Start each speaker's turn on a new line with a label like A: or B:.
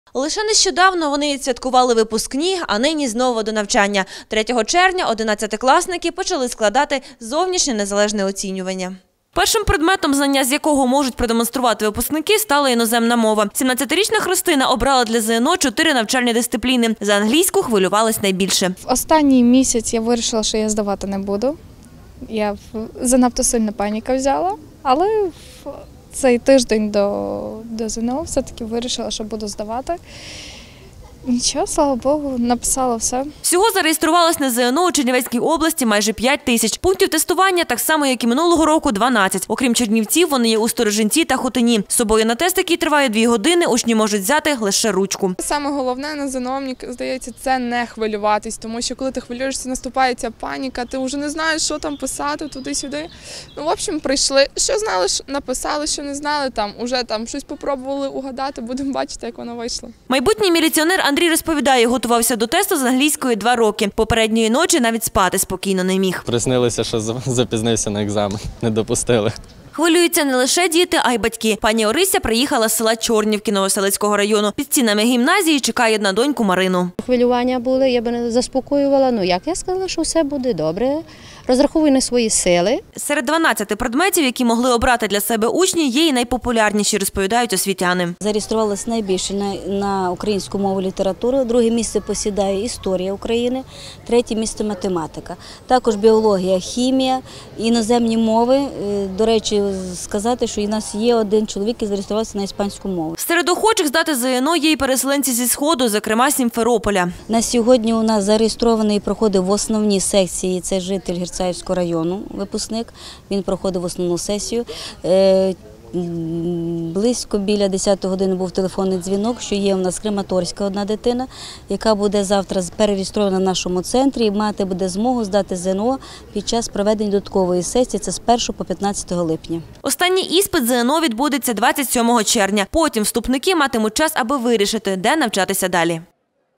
A: Лише нещодавно вони відсвяткували випускні, а нині знову до навчання. 3 червня 11-класники почали складати зовнішнє незалежне оцінювання. Першим предметом, знання з якого можуть продемонструвати випускники, стала іноземна мова. 17-річна Христина обрала для ЗНО 4 навчальні дисципліни. За англійську хвилювалась найбільше.
B: В останній місяць я вирішила, що я здавати не буду. Я занадто сильно паніка взяла, але в цей тиждень до ЗНО все-таки вирішила, що буду здавати. Нічого, слава Богу, написала все.
A: Всього зареєструвалось на ЗНО у Чернівецькій області майже 5 тисяч. Пунктів тестування так само, як і минулого року, 12. Окрім Чернівців, вони є у Сторожинці та Хотині. З собою на тест, який триває 2 години, учні можуть взяти лише ручку.
C: Саме головне на ЗНО, мені здається, це не хвилюватись, тому що коли ти хвилюєшся, наступає ця паніка, ти вже не знаєш, що там писати, туди-сюди. Ну, в общем, прийшли, що знали, написали, що не знали, уже щось попробували угадати, будемо бачити, як воно вийшло.
A: Майбутній міліціонер Андрій розповідає, готувався до тесту з англійської 2 роки. Попередньої ночі навіть спати спокійно не міг.
D: Приснилося, що запізнився на екзамен, не допустили.
A: Хвилюються не лише діти, а й батьки. Пані Орися приїхала з села Чорнівки Новоселицького району. Під стінами гімназії чекає на доньку Марину.
E: Хвилювання були, я би не заспокоювала. Як я сказала, що все буде добре. Розраховую на свої сили.
A: Серед 12 предметів, які могли обрати для себе учні, є і найпопулярніші, розповідають освітяни.
F: Зареєструвалися найбільше на українську мову і літературу. Друге місце посідає історія України, третє місце математика. Також біологія, хімія, іноземні мови. До речі, сказати, що у нас є один чоловік, який зареєструвався на іспанську мову.
A: Серед охочих здати ЗНО є і переселенці зі Сходу, зокрема з Сімферополя.
F: На сьогодні у нас зареєстрований і проходив в основній секції, це житель Герцаївського району, випускник, він проходив основну сесію. Близько біля 10 години був телефонний дзвінок, що є у нас краматорська одна дитина, яка буде завтра перереєстрована в нашому центрі і мати буде змогу здати ЗНО під час проведення додаткової сесії, це з 1 по 15 липня.
A: Останній іспит ЗНО відбудеться 27 червня. Потім вступники матимуть час, аби вирішити, де навчатися далі.